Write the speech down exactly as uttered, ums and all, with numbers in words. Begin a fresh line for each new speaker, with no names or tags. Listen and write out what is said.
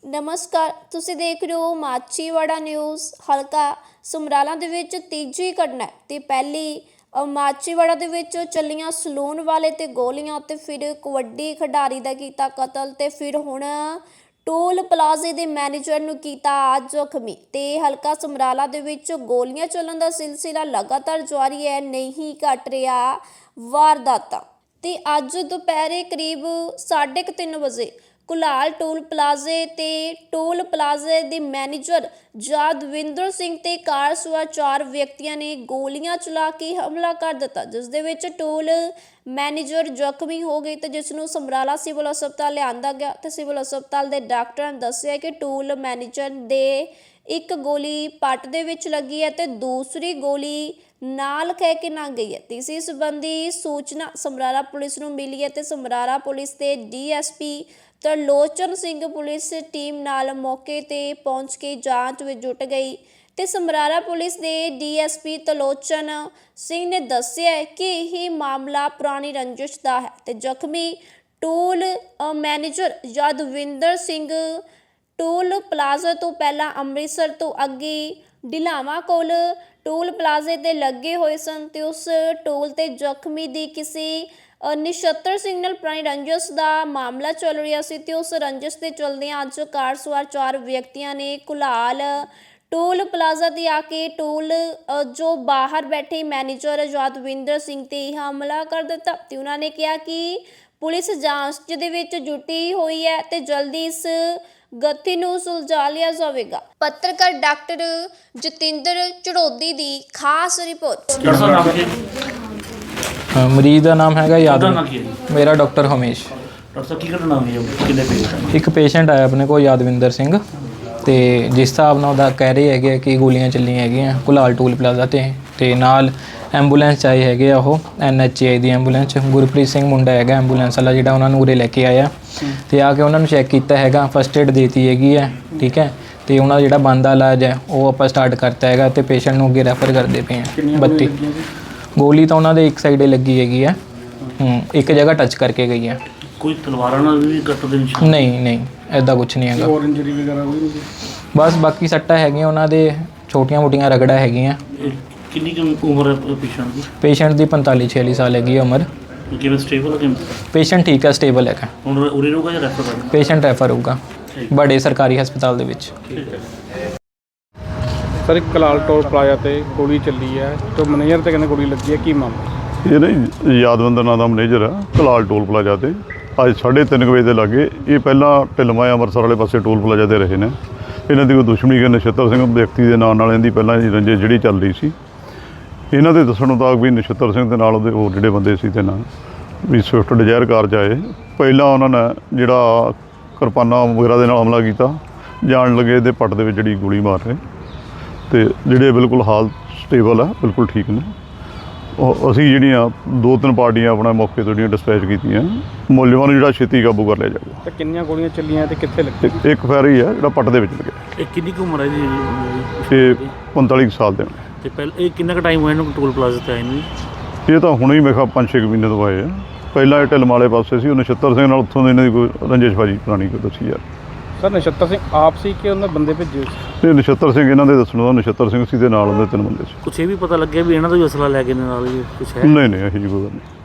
ਨਮਸਕਾਰ, ਤੁਸੀਂ ਦੇਖ ਰਹੇ ਹੋ ਮਾਛੀਵਾੜਾ ਨਿਊਜ਼। ਹਲਕਾ ਸਮਰਾਲਾ ਦੇ ਵਿੱਚ ਤੀਜੀ ਘਟਨਾ ਤੇ ਪਹਿਲੀ ਮਾਛੀਵਾੜਾ ਦੇ ਵਿੱਚ ਚੱਲੀਆਂ ਸਲੂਨ ਵਾਲੇ ਤੇ ਗੋਲੀਆਂ ਤੇ ਫਿਰ ਕਬੱਡੀ ਖਿਡਾਰੀ ਦਾ ਕੀਤਾ ਕਤਲ ਤੇ ਫਿਰ ਹੁਣ ਟੋਲ ਪਲਾਜ਼ੇ ਦੇ ਮੈਨੇਜਰ ਨੂੰ ਕੀਤਾ ਜ਼ਖਮੀ। ਤੇ ਹਲਕਾ ਸਮਰਾਲਾ ਦੇ ਵਿੱਚ ਗੋਲੀਆਂ ਚੱਲਣ ਦਾ ਸਿਲਸਿਲਾ ਲਗਾਤਾਰ ਜਾਰੀ ਹੈ, ਨਹੀਂ ਘਟ ਰਿਹਾ ਵਾਰਦਾਤਾਂ। ਤੇ ਅੱਜ ਦੁਪਹਿਰੇ ਕਰੀਬ ਸਾਢੇ ਕੁ ਤਿੰਨ ਵਜੇ ਕੁਲਾਲ ਟੋਲ ਪਲਾਜ਼ੇ ਤੇ ਟੋਲ ਪਲਾਜ਼ੇ ਦੇ ਮੈਨੇਜਰ ਯਾਦਵਿੰਦਰ ਸਿੰਘ ਤੇ ਕਾਰ ਸਵਾਰ ਚਾਰ ਵਿਅਕਤੀਆਂ ਨੇ ਗੋਲੀਆਂ ਚਲਾ ਕੇ ਹਮਲਾ ਕਰ ਦਿੱਤਾ, ਜਿਸ ਦੇ ਵਿੱਚ ਟੋਲ ਮੈਨੇਜਰ ਜ਼ਖਮੀ ਹੋ ਗਏ ਤੇ ਜਿਸ ਨੂੰ ਸਮਰਾਲਾ ਸਿਵਲ ਹਸਪਤਾਲ ਲਿਆਂਦਾ ਗਿਆ ਤੇ ਸਿਵਲ ਹਸਪਤਾਲ ਦੇ ਡਾਕਟਰਾਂ ਨੇ ਦੱਸਿਆ ਕਿ ਟੋਲ ਮੈਨੇਜਰ ਦੇ ਇੱਕ ਗੋਲੀ ਪੱਟ ਦੇ ਵਿੱਚ ਲੱਗੀ ਹੈ ਤੇ ਦੂਸਰੀ ਗੋਲੀ ਨਾਲ ਕਹਿ ਕੇ ਨਾ ਗਈ ਹੈ। ਤੇ ਇਸੇ ਸੰਬੰਧੀ ਸੂਚਨਾ ਸਮਰਾਲਾ ਪੁਲਿਸ ਨੂੰ ਮਿਲੀ ਹੈ ਤੇ ਸਮਰਾਲਾ ਪੁਲਿਸ ਤੇ D S P Tarlochan Singh police team ਨਾਲ ਮੌਕੇ ਤੇ ਪਹੁੰਚ ਕੇ ਜਾਂਚ ਵਿੱਚ ਜੁਟ ਗਈ ਤੇ ਸਮਰਾਲਾ ਪੁਲਿਸ ਦੇ D S P Tarlochan Singh ਨੇ ਦੱਸਿਆ ਕਿ ਇਹ ਮਾਮਲਾ ਪੁਰਾਣੀ ਰੰਜਿਸ਼ ਦਾ ਹੈ ਤੇ ਜ਼ਖਮੀ toll manager Yadwinder Singh toll plaza ਤੋਂ ਪਹਿਲਾਂ ਅੰਮ੍ਰਿਤਸਰ ਤੋਂ ਅੱਗੇ ਢਿਲਾਵਾ ਕੋਲ ਟੋਲ ਪਲਾਜ਼ੇ ਤੇ ਲੱਗੇ ਹੋਏ ਸਨ ਤੇ ਉਸ ਟੋਲ ਤੇ ਜ਼ਖਮੀ ਦੀ ਕਿਸੇ ਨਿਸ਼ਤਰ ਸਿੰਘ ਨਾਲ ਪੁਰਾਣੀ ਰੰਜਿਸ਼ ਦਾ ਮਾਮਲਾ ਚੱਲ ਰਿਹਾ ਸੀ ਤੇ ਉਸ ਰੰਜਿਸ਼ ਦੇ ਚਲਦਿਆਂ ਅੱਜ ਕਾਰ ਸਵਾਰ ਚਾਰ ਵਿਅਕਤੀਆਂ ਨੇ ਕੁਲਾਲ ਟੋਲ ਪਲਾਜ਼ਾ ਤੇ ਆ ਕੇ ਟੋਲ ਜੋ ਬਾਹਰ ਬੈਠੇ ਮੈਨੇਜਰ ਯਾਦਵਿੰਦਰ ਸਿੰਘ ਤੇ ਹਮਲਾ ਕਰ ਦਿੱਤਾ ਤੇ ਉਹਨਾਂ ਨੇ ਕਿਹਾ ਕਿ ਪੁਲਿਸ ਜਾਂਚ ਦੇ ਵਿੱਚ ਜੁਟੀ ਹੋਈ ਹੈ ਤੇ ਜਲਦੀ ਇਸ ਗਤੀ ਨੂੰ ਸੁਲਝਾ ਲਿਆ ਜਾਵੇਗਾ। ਪੱਤਰਕਾਰ ਡਾਕਟਰ ਜਤਿੰਦਰ ਚੜੋਦੀ ਦੀ ਖਾਸ ਰਿਪੋਰਟ।
ਮਰੀਜ਼ ਦਾ ਨਾਮ ਹੈਗਾ ਯਾਦਵ ਮੇਰਾ ਡਾਕਟਰ ਹਮੇਸ਼।
ਡਾਕਟਰ ਸਾਹਿਬ ਕੀ ਘਟਨਾ ਹੋਈ ਹੈ? ਕਿੰਨੇ ਪੇਸ਼ੈਂਟ?
ਇੱਕ ਪੇਸ਼ੈਂਟ ਆਇਆ ਆਪਣੇ ਕੋਲ ਯਾਦਵਿੰਦਰ ਸਿੰਘ ਤੇ ਜਿਸ ਹਿਸਾਬ ਨਾਲ ਉਹਦਾ ਕਹਿ ਰਹੇ ਹੈਗੇ ਕਿ ਗੋਲੀਆਂ ਚੱਲੀਆਂ ਹੈਗੀਆਂ ਕੁਲਾਲ ਟੋਲ ਪਲਾਜ਼ਾ ਤੇ ਤੇ ਨਾਲ ਐਂਬੂਲੈਂਸ ਆਈ ਹੈਗੇ ਆ ਉਹ ਐਨ ਐਚ ਆਈ ਦੀ ਐਂਬੂਲੈਂਸ। ਗੁਰਪ੍ਰੀਤ ਸਿੰਘ ਮੁੰਡਾ ਹੈਗਾ ਐਂਬੂਲੈਂਸ ਵਾਲਾ ਜਿਹੜਾ ਉਹਨਾਂ ਨੂੰ ਉਰੇ ਲੈ ਕੇ ਆਇਆ ਤੇ ਆ ਕੇ ਉਹਨਾਂ ਨੂੰ ਚੈੱਕ ਕੀਤਾ ਹੈਗਾ, ਫਸਟ ਏਡ ਦੇਤੀ ਹੈਗੀ ਹੈ, ਠੀਕ ਹੈ। ਤੇ ਉਹਨਾਂ ਦਾ ਜਿਹੜਾ ਬਣਦਾ ਇਲਾਜ ਹੈ ਉਹ ਆਪਾਂ ਸਟਾਰਟ ਕਰਤਾ ਹੈਗਾ ਤੇ ਪੇਸ਼ੈਂਟ ਨੂੰ ਅੱਗੇ ਰੈਫਰ ਕਰਦੇ ਪਏ ਹਾਂ। ਬੱਤੀ ਗੋਲੀ ਤਾਂ ਉਹਨਾਂ ਦੇ ਇੱਕ ਸਾਈਡੇ ਲੱਗੀ ਹੈਗੀ ਹੈ, ਹੂੰ ਇੱਕ ਜਗ੍ਹਾ ਟੱਚ ਕਰਕੇ ਗਈ ਹੈ।
ਕੋਈ ਤਲਵਾਰਾਂ ਨਾਲ ਵੀ ਕੱਟ ਦੇ ਨਿਸ਼ਾਨ? ਨਹੀਂ
ਨਹੀਂ ਐਦਾਂ ਕੁਝ ਨਹੀਂ ਹੈਗਾ।
ਹੋਰ ਇੰਜਰੀ ਵਗੈਰਾ ਕੋਈ ਨਹੀਂ?
ਬਸ ਬਾਕੀ ਸੱਟਾਂ ਹੈਗੀਆਂ ਉਹਨਾਂ ਦੇ, ਛੋਟੀਆਂ ਮੋਟੀਆਂ ਰਗੜਾ ਹੈਗੀਆਂ।
ਕਿੰਨੀ ਕੁ ਉਮਰ ਹੈ ਪੇਸ਼ੈਂਟ ਦੀ?
ਪੇਸ਼ੈਂਟ ਦੀ ਪੰਤਾਲੀ ਛਿਆਲੀ ਸਾਲ ਹੈਗੀ ਉਮਰ।
ਕਿਵੇਂ ਸਟੇਬਲ ਹੈ ਕਿਵੇਂ?
ਪੇਸ਼ੈਂਟ ਠੀਕ ਹੈ, ਸਟੇਬਲ ਹੈਗਾ।
ਹੁਣ ਉਰੇ ਰਹੂਗਾ ਜਾਂ ਰੈਫਰ ਕਰਨਾ?
ਪੇਸ਼ੈਂਟ ਰੈਫਰ ਹੋਊਗਾ ਬੜੇ ਸਰਕਾਰੀ ਹਸਪਤਾਲ ਦੇ ਵਿੱਚ।
ਸਰ ਇੱਕ ਕਲਾਲ ਟੋਲ ਪਲਾਜ਼ਾ ਤੇ ਗੋਲੀ ਚੱਲੀ ਹੈ ਤੇ ਮੈਨੇਜਰ ਤੇ ਕਹਿੰਦੇ ਗੋਲੀ ਲੱਗੀ ਹੈ, ਕੀ ਮਾਮਲਾ?
ਇਹ ਨਹੀਂ ਯਾਦਵਿੰਦਰ ਨਾਂ ਦਾ ਮੈਨੇਜਰ ਆ ਕਲਾਲ ਟੋਲ ਪਲਾਜ਼ਾ ਤੇ ਅੱਜ ਸਾਢੇ ਤਿੰਨ ਵਜੇ ਦੇ ਲਾਗੇ। ਇਹ ਪਹਿਲਾਂ ਢਿਲਮਾ ਅੰਮ੍ਰਿਤਸਰ ਵਾਲੇ ਪਾਸੇ ਟੋਲ ਪਲਾਜ਼ਾ ਤੇ ਰਹੇ ਨੇ। ਇਹਨਾਂ ਦੀ ਕੋਈ ਦੁਸ਼ਮਣੀ ਕਿ ਨਛੱਤਰ ਸਿੰਘ ਵਿਅਕਤੀ ਦੇ ਨਾਂ ਨਾਲ ਇਹਦੀ ਪਹਿਲਾਂ ਦੀ ਰੰਜਿਸ਼ ਜਿਹੜੀ ਚੱਲ ਰਹੀ ਸੀ। ਇਹਨਾਂ ਦੇ ਦੱਸਣ ਮੁਤਾਬਕ ਵੀ ਨਛੱਤਰ ਸਿੰਘ ਦੇ ਨਾਲ ਉਹਦੇ ਹੋਰ ਜਿਹੜੇ ਬੰਦੇ ਸੀ ਤੇ ਨਾਲ ਵੀ ਸਵਿਫਟ ਡਿਜ਼ਾਇਰ ਕਾਰ 'ਚ ਆਏ। ਪਹਿਲਾਂ ਉਹਨਾਂ ਨੇ ਜਿਹੜਾ ਕਿਰਪਾਨਾਂ ਵਗੈਰਾ ਦੇ ਨਾਲ ਹਮਲਾ ਕੀਤਾ, ਜਾਣ ਲੱਗੇ ਇਹਦੇ ਪੱਟ ਦੇ ਵਿੱਚ ਜਿਹੜੀ ਗੋਲੀ ਮਾਰ ਰਹੇ ਤੇ ਜਿਹੜੇ ਬਿਲਕੁਲ ਹਾਲ ਸਟੇਬਲ ਆ, ਬਿਲਕੁਲ ਠੀਕ ਨੇ। ਉਹ ਅਸੀਂ ਜਿਹੜੀਆਂ ਦੋ ਤਿੰਨ ਪਾਰਟੀਆਂ ਆਪਣਾ ਮੌਕੇ ਤੋਂ ਜਿਹੜੀਆਂ ਡਿਸਪੈਚ ਕੀਤੀਆਂ, ਮੁਲਜ਼ਮਾਂ ਨੂੰ ਜਿਹੜਾ ਛੇਤੀ ਕਾਬੂ ਕਰ ਲਿਆ ਜਾਊਗਾ।
ਤੇ ਕਿੰਨੀਆਂ ਗੋਲੀਆਂ ਚੱਲੀਆਂ ਤੇ ਕਿੱਥੇ ਲੱਗੀ?
ਇੱਕ ਫੈਰ ਹੀ ਹੈ ਜਿਹੜਾ ਪੱਟ ਦੇ ਵਿੱਚ ਲੱਗਿਆ।
ਇਹ ਕਿੰਨੀ ਕੁ ਉਮਰ ਹੈ ਜੀ?
ਇਹ ਪੰਤਾਲੀ ਕੁ ਸਾਲ ਦੇ ਨੇ।
ਤੇ ਪਹਿਲਾਂ ਇਹ ਕਿੰਨਾ ਕੁ ਟਾਈਮ ਹੋਇਆ ਇਹਨੂੰ ਟੋਲ ਪਲਾਜ਼ਾ ਤੇ ਆਏ ਨੂੰ?
ਇਹ ਤਾਂ ਹੁਣੇ ਹੀ ਮੈਂ ਕਿਹਾ ਪੰਜ ਛੇ ਮਹੀਨੇ ਤੋਂ ਆਏ ਆ। ਪਹਿਲਾਂ ਇਹ ਢਿਲਮ ਵਾਲੇ ਪਾਸੇ ਸੀ, ਉਹ ਨਛੱਤਰ ਸਿੰਘ ਨਾਲ ਉੱਥੋਂ ਦੇ ਇਹਨਾਂ ਦੀ ਕੋਈ ਰੰਜਿਸ਼ਬਾਜੀ ਪੁਰਾਣੀ ਕੋਈ ਦੱਸੀ ਯਾਰ।
ਸਰ ਨਛੱਤਰ ਸਿੰਘ ਆਪ ਸੀ ਕਿ ਉਹਨਾਂ ਬੰਦੇ ਭੇਜੇ ਸੀ?
ਇਹ ਨਛੱਤਰ ਸਿੰਘ ਇਹਨਾਂ ਦੇ ਦੱਸਣ ਦਾ ਨਛੱਤਰ ਸਿੰਘ ਸੀ ਦੇ ਨਾਲ ਉਹਦੇ ਤਿੰਨ ਬੰਦੇ ਸੀ।
ਕੁਛ ਇਹ ਵੀ ਪਤਾ ਲੱਗਿਆ ਵੀ ਇਹਨਾਂ ਦਾ ਵੀ ਅਸਲਾ ਲੈ ਕੇ ਨਾਲ ਹੀ ਕੁਛ ਹੈ?
ਨਹੀਂ ਨਹੀਂ ਇਹੋ ਜਿਹੀ ਕੋਈ ਗੱਲ ਨਹੀਂ।